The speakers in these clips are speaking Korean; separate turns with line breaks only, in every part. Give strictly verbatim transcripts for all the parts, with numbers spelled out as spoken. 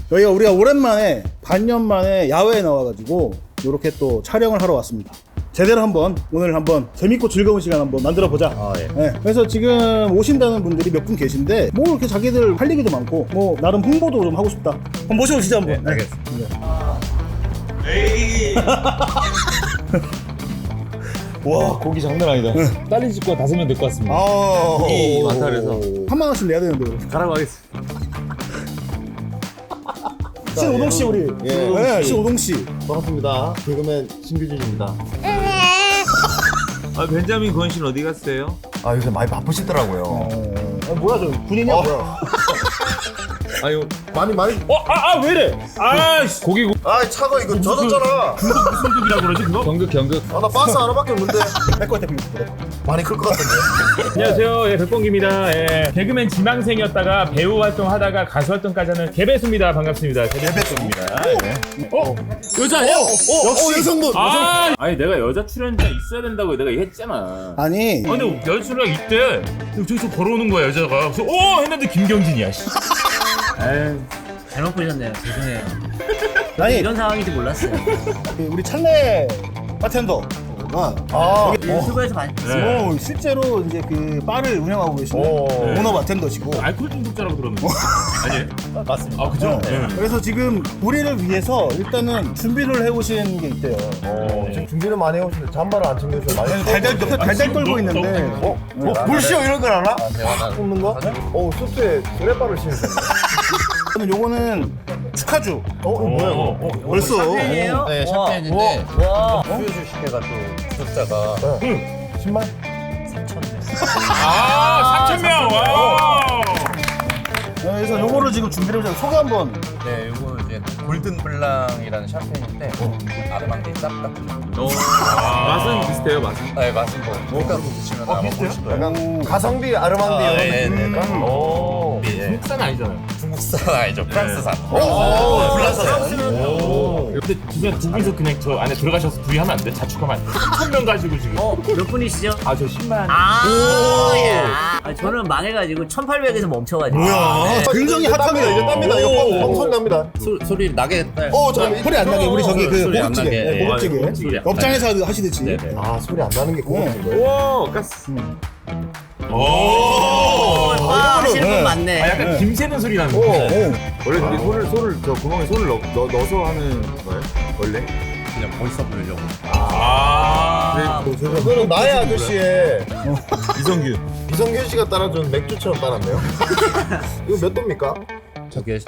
여기가 우리가 오랜만에 반년 만에 야외에 나와가지고 이렇게 또 촬영을 하러 왔습니다. 제대로 한번 오늘 한번 재밌고 즐거운 시간 한번 만들어 보자.
아, 예.
네, 그래서 지금 오신다는 분들이 몇 분 계신데 뭐 이렇게 자기들 할 얘기도 많고 뭐 나름 홍보도 좀 하고 싶다. 한번 모셔오시죠 한번.
네, 알겠습니다.
에이.
와, 고기 장난 아니다. 딸린 집과 다섯 명 될 것 같습니다.
아,
고기 많다 그래서.
한만 원씩 내야 되는데. 그럼.
가라고 하겠습니다.
신오동 씨 우리.
예.
네, 신오동 씨.
반갑습니다. 개그맨 신규진입니다.
아, 벤자민 권 씨는 어디 갔어요?
아 요새 많이 바쁘시더라고요.
어, 뭐야 저 군인이야
어.
뭐야?
아유,
많이 많이.
어, 아, 아, 왜 이래? 아, 씨. 고기 구...
아 차가 이거 젖었잖아.
중국 무슨 국이라고 그러지 그거? 경극, 경극.
아 나 바스 하나밖에 없는데
내거 같아 비밀.
많이 클 것 같은데.
안녕하세요. 예, 백봉기입니다. 예, 개그맨 지망생이었다가 배우 활동하다가 가수 활동까지 하는 개배수입니다. 반갑습니다. 개배수입니다. 예. 어? 여자 아니야?
어, 역시 여성분.
아, 아니 내가 여자 출연자 있어야 된다고 내가 얘기했잖아.
아니.
아, 근데 여자 출연 있대. 저기서 걸어오는 거야 여자가. 그래서 오 했는데 김경진이야. 씨.
아유, 잘못 보셨네요. 죄송해요.
아니
이런 상황인지 몰랐어요.
그 우리 찰레 바텐더가
아.
유튜브에서 많이 봤어요.
네.
오, 실제로 이제 그 바를 운영하고 계시는
오.
오너 바텐더시고.
알코올 중독자라고 들었는데. 아니에요?
맞습니다.
아, 그죠?
네. 그래서 지금 우리를 위해서 일단은 준비를 해오신 게 있대요.
어, 지금 준비는 많이 해오시는데 잠바를 안 챙겨서 많이.
달달 옆에 달달 떨고
너무-
있는데.
너무-
어? 뭐 불쇼 이런 걸 알아? 뽑는 거? 어 수트에 드레바를 신으셨네.
저는 요거는 축하주.
어 이거 뭐야 이거?
어, 어,
벌써.
샴페인이에요?
네,
와.
샴페인인데.
와.
수요주 식혜가 또 숫자가.
십만?
아, 삼천 명. 와.
그래서 요거를 지금 준비를 해서 소개 한번.
네, 요거 이제 골든 블랑이라는 샴페인인데 아르망디 쌉다.
맛은 비슷해요, 맛은.
네, 맛은 뭐 밀가루 드시면 아마 훨씬 더.
약간 가성비 아르망디
아,
이런
네,
느낌입니까?
네, 네.
오.
예.
중국산 아니잖아요.
중국산 아니죠, 프랑스산.
오.
프랑스산.
오. 근데 진짜 두 분이서 그냥 저 안에 들어가셔서 둘이 하면 안 돼? 자축하면 안 돼? 삼천 명 가지고 지금.
어, 몇 분이시죠?
아, 저 십만.
아, 야. 아, 저는 망해가지고 천팔백에서 멈춰가지고.
뭐야? 굉장히
아, 땀니다 이제 땀니다. 이거
오.
방- 방송 납니다.
소, 소리 나게 했다.
어 잠깐
소리 안 나게 우리 저기 그
소리 안
고급지게.
나게.
네, 고급지게.
예, 고급지게.
업장에서 하시듯이.
네네.
아 소리 안 나는 게 고급진 거예요?
와, 가스. 오.
아, 하시는 분
네.
많네.
아, 약간 김 새는 소리 나는
오,
거.
오.
원래 근데 손을 손을 저 구멍에 손을 넣, 넣, 넣어서 하는 거예요? 원래? 그냥 멋있어 보이려고.
아.
이거는 나의 아저씨의
이성규.
이성균 씨가 따라준 맥주처럼 따랐네요. 이거 몇 도입니까?
저게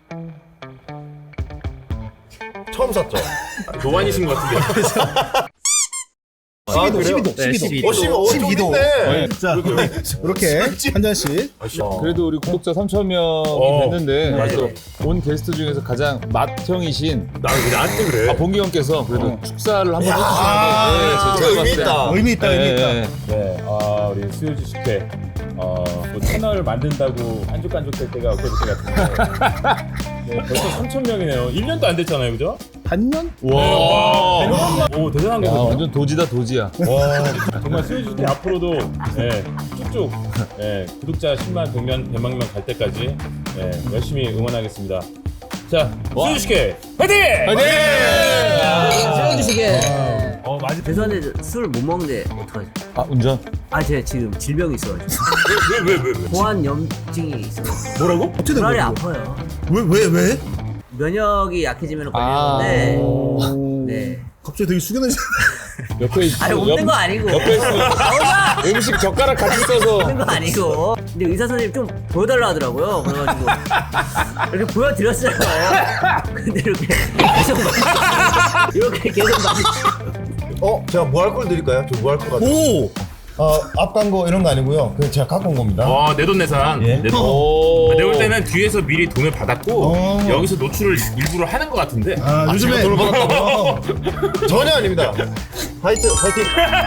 처음 샀죠?
노안이신 것 같은데.
십이 도,
그래요?
십이 도,
네,
십이 도.
십이 도.
어, 씨발, 어, 좀
십이 도.
있네.
자, 이렇게 한 잔씩.
그래도 우리 구독자 삼천 명이
어.
됐는데
맞아.
그래서 온 게스트 중에서 가장 맏형이신
나 왜 나한테 그래?
아, 봉기 형께서 그래도 축사를 한번
아,
해주시는데
그 의미 있다.
의미 있다, 의미 있다.
네, 아 우리 수요지 식회 어, 뭐 채널 만든다고 안족안족 될 때가 엊그저께 같은데 네, 벌써 삼천 명이네요. 일 년도 안 됐잖아요, 그죠?
반년?
와, 오 대단한
야,
거거든요.
완전 도지다 도지야.
와, 정말 수요지 식회 앞으로도 예, 쭉쭉 예, 구독자 십만, 백만, 백만 명 갈 때까지 예, 열심히 응원하겠습니다. 자, 수요지 식회 화이팅! 화이팅!
수영주시게.
어, 맞아.
죄송한데 술 못 먹는데 어떡하죠?
아 운전?
아, 제가 지금 질병이 있어가지고.
왜, 왜, 왜, 왜?
보안염증이 있어가지고.
뭐라고? 어떻게 된
불알이
거야?
아파요.
왜, 왜, 왜?
면역이 약해지면
아.
걸리는데.
오.
네.
갑자기 되게 숙연해지.
옆에 있
아니, 없는 거 아니고.
옆에 있으면
나오자!
음식 젓가락 같이 써서
없는 거 아니고. 근데 의사 선생님 좀 보여달라 하더라고요. 그래가지고. 이렇게 보여드렸어요. 근데 이렇게 계속 막. 이렇게 계속 막.
어, 제가 무알콜 드릴까요? 저 무알콜 같은.
오!
어, 앞 광고 이런 거 아니고요. 그냥 제가 갖고 온 겁니다.
어, 내돈내산.
예.
내돈.
오.
내가 볼 때는 뒤에서 미리 돈을 받았고
어.
여기서 노출을 일부러 하는 것 같은데.
아, 요즘에.
돈을 받았다고요? 전혀 아닙니다. 화이트, 화이팅.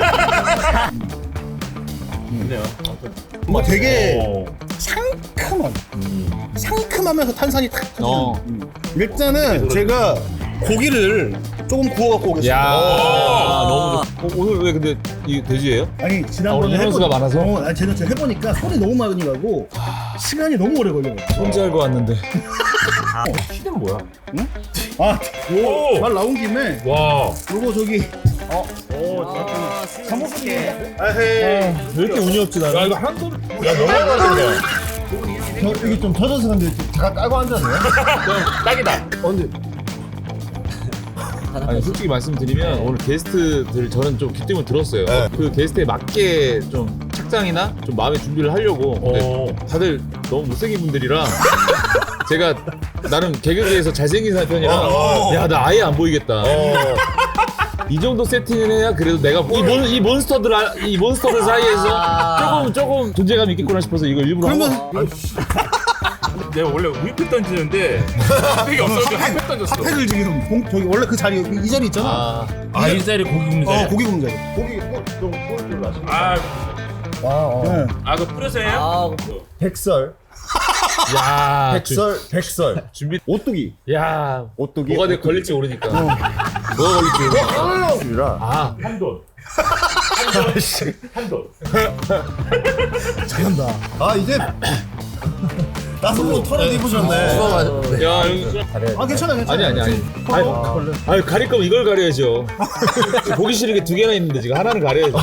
좋네요.
뭐 되게
오.
상큼한. 상큼하면서 탄산이 탁 터지는.
어.
음. 일단은 제가 고기를 조금 구워 갖고
야
오겠습니다.
아, 너무 좋... 어, 오늘 왜 근데 이 돼지예요?
아니 지난번에
오늘 인원수가
해보니-
많아서?
어, 아니 제가 해보니까 손이 너무 많이 가고 시간이 너무 오래 걸려요.
혼자 알고 왔는데 키는 뭐야?
아,
오!
말 나온 김에
와.
요거 저기
아, 스위스케.
아헤이
왜 이렇게 운이 없지 나는? 야 이거 한 손. 야 너무 많은데.
이게 좀 젖어서 근데 잠깐 깔고 앉았네.
딱이다.
언제?
아니 솔직히 말씀드리면 오늘 게스트들 저는 좀 귀 때문에 들었어요.
네.
그 게스트에 맞게 좀 착장이나 좀 마음의 준비를 하려고. 근데
오.
다들 너무 못생긴 분들이라 제가 나름 개그계에서 잘생긴 편이라 야 나 아예 안 보이겠다. 이 정도 세팅을 해야 그래도 내가 이, 몬, 이 몬스터들 아- 이 몬스터들 사이에서 조금 조금 존재감 있겠구나 싶어서 이걸 일부러 한
그러면
거.
내가 원래 우익 던지는데 핫팩이 없어서 핫팩 던졌어.
핫팩을 지금 공, 저기 원래 그 자리 이 자리 있잖아.
아,
아 이 자리 고기 굽는 자리.
어 고기 굽는 자리.
고기 좀 꼴줄 아시네.
아,
네.
아 그 뿌려서 해요?
아,
백설,
야,
백설, 백설.
준비.
오뚜기,
야,
오뚜기.
뭐가 돼 걸릴지 모르니까. 뭐가 걸릴지.
오뚜기라.
아,
한돈. 한돈.
잘한다.
아 이제 나선로 털어 입으셨네.
야, 여기.
아 괜찮아 괜찮아.
아니 아니 아니. 아니, 아니 가릴 거면 이걸 가려야죠. 보기 싫은 게 두 개나 있는데 지금 하나는 가려야죠.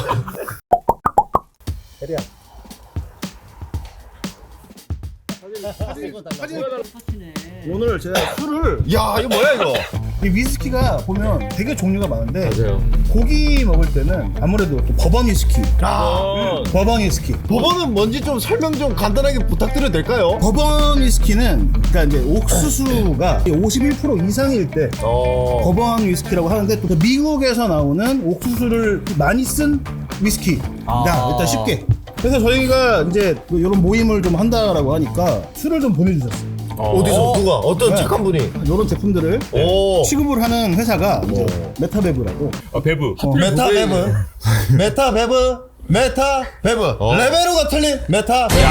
오늘 제가 술을
야 이거 뭐야 이거?
이 위스키가 보면 되게 종류가 많은데
맞아요.
고기 먹을 때는 아무래도 또 버번 위스키,
어.
버번 위스키.
법원은 뭔지 좀 설명 좀 간단하게 부탁드려도 될까요?
버번 위스키는 그러니까 이제 옥수수가 오십일 퍼센트 이상일 때
어.
버번 위스키라고 하는데 또 미국에서 나오는 옥수수를 많이 쓴 위스키다.
아.
일단 쉽게. 그래서 저희가 이제 이런 모임을 좀 한다라고 하니까 술을 좀 보내주셨어요.
어디서 누가 어떤
네.
착한 분이?
이런 제품들을
오.
취급을 하는 회사가 이제 메타베브라고.
아 배부.
메타베브, 메타베브, 메타베브. 레벨로가 틀린 메타베브.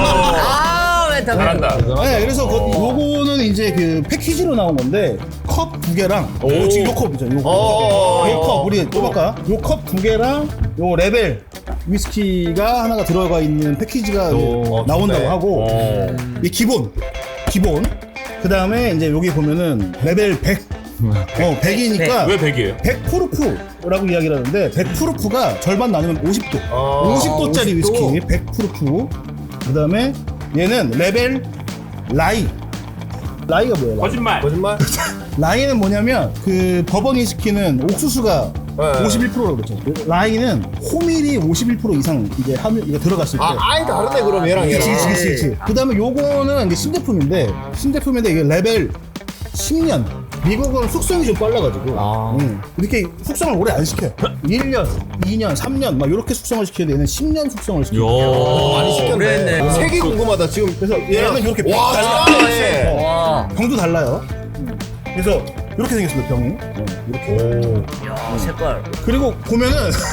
아, 왜 다.
잘한다.
네, 그래서 그 요거는 이제 그 패키지로 나온 건데 컵 두 개랑 요 지금 요 컵이죠. 요 컵. 요 컵 우리 좁을까? 요 컵 두 개랑 요 레벨 위스키가 하나가 들어가 있는 패키지가 이제 나온다고
좋네.
하고 이 기본 기본 그 다음에 이제 여기 보면은 레벨 백 어 백이니까
왜 백이에요?
백 프루프라고 이야기를 하는데 백 프루프가 절반 나누면 오십 도 오십 도짜리
오십 도.
위스키 백 프루프 그 다음에 얘는 레벨 라이 라이가 뭐예요? 라이?
거짓말.
거짓말?
라이는 뭐냐면 그 버번 위스키는 옥수수가
네.
오십일 퍼센트라고 그랬죠. 라이는 호밀이 오십일 퍼센트 이상 이제 함유 이게 들어갔을 때.
아 아예 다르네 그럼 얘랑
그치,
얘랑.
그치, 그치, 그치. 그 다음에 요거는 이제 신제품인데, 신제품인데 이게 레벨 십 년. 미국은 숙성이 좀 빨라가지고. 음, 이렇게 숙성을 오래 안 시켜요. 일 년, 이 년, 삼 년, 막 이렇게 숙성을 시켜야 되는 십 년 숙성을 시켜요.
많이 시켰네.
그랬네.
색이 궁금하다 지금.
그래서 얘는 이렇게 병,
와 진짜.
와.
병도 달라요. 음. 그래서 이렇게 생겼습니다, 병이. 어, 이렇게.
야, 색깔.
그리고 보면은,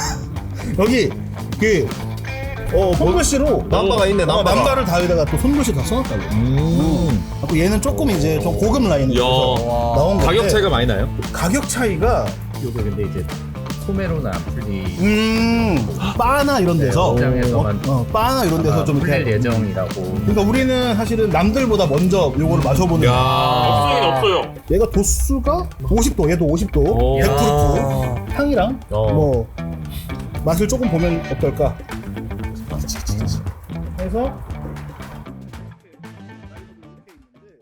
여기 그, 어, 손글씨로
남바가 있네,
어,
남바가.
남바를 다에다가 또 손글씨 다 써놨다고. 음. 또 얘는 조금 이제 좀 고급 라인으로
야.
나온 건데
가격 차이가 많이 나요?
가격 차이가
요게 근데 이제 소매로는 안 풀리
음 바나 이런 데서
시장에서만
어, 어, 바나 이런 데서 좀
풀릴
이렇게
예정이라고.
그러니까 우리는 사실은 남들보다 먼저 요거를 마셔보는
없어요 없어요.
얘가 도수가 오십 도 얘도 오십 도
오.
백 프루프 향이랑
어.
뭐 맛을 조금 보면 어떨까 해서